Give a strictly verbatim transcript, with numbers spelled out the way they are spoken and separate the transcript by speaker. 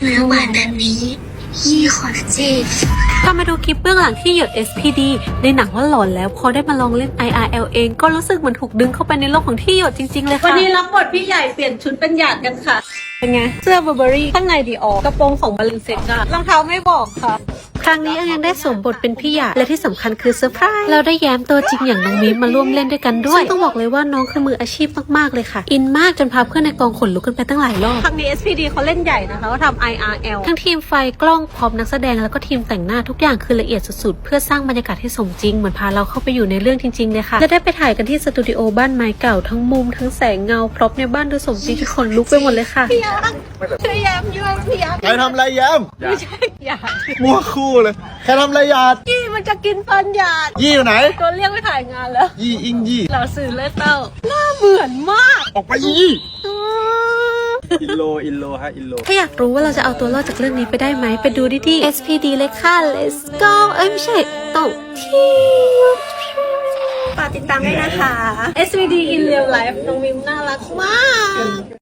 Speaker 1: เนื้อหวานแบบนี้ยี่ขอนะเจ
Speaker 2: ถ้ามาดูคลิปเบื้องหลังที่หยด เอส พี ดี ในหนังว่าหลอนแล้วพอได้มาลองเล่น ไอ อาร์ แอล เองก็รู้สึกเหมือนถูกดึงเข้าไปในโลกของที่หยดจริงๆเลยค่ะ
Speaker 3: วันนี้รับบทพี่ใหญ่เปลี่ยนชุดเป็นหยาดกันค่ะเป็นไงเสื้อ Burberry ข้างในดีออกกระโปรงของบาลินเซ็กอะรองเท้าไม่บอกค่ะ
Speaker 2: ครั้งนี้ยังได้สวมบทเป็นพี่หยาดและที่สำคัญคือเซอร์ไพรส์เราได้แย้มตัวจริงอย่างน้องมิมมาร่วมเล่นด้วยกันด้วยซึ่งต้องบอกเลยว่าน้องคือมืออาชีพมากๆเลยค่ะอินมากจนพาเพื่อนในกองขนลุกกันไปตั้งหลายรอบ
Speaker 3: ครั้งนี้ เอส พี ดี เขาเล่นใหญ่นะคะเขาทำ ไอ อาร์ แอล
Speaker 2: ทั้งทีมไฟกล้องพร้อมนักแสดงแล้วก็ทีมแต่งหน้าทุกอย่างคือละเอียดสุดๆเพื่อสร้างบรรยากาศให้สมจริงเหมือนพาเราเข้าไปอยู่ในเรื่องจริงๆเลยค่ะและได้ไปถ่ายกันที่สตูดิโอบ้านไม้เก่าทั้งมุมทั้งแสงเงาพร็อพในบ้านดูสมจริงจนขนลุกไปหมดเลยค่ะ
Speaker 3: พี่ยักษ์ช่วยแย้มด้วยพี่ยักษ์
Speaker 4: ใครทำอะไรแย้ม
Speaker 3: ไม่ใช่หยาด
Speaker 4: มั่วคู่เลยใครทำอะไรหยาด
Speaker 3: ยี่มันจะกินฟันหยาด
Speaker 4: ยี่อยู่ไหน
Speaker 3: โดนเรียกไปถ่ายงานแล้ว
Speaker 4: ยี่อิงยี่
Speaker 3: เราสื่อเลเต้าหน้าเหมือนมาก
Speaker 4: ออกไปยี่อินโลอินโลฮะอินโล
Speaker 2: ถ้าอยากรู้ว่าเราจะเอาตัวรอดจากเรื่องนี้ไปได้ไหมไปดูที่ เอส พี ดี เลยค่ะ let's go เอ้ยไม่ใช่ต้องที่
Speaker 3: ฝากติดตามด้วยนะคะ เอส วี ดี in real life น้องมิมน่ารักมาก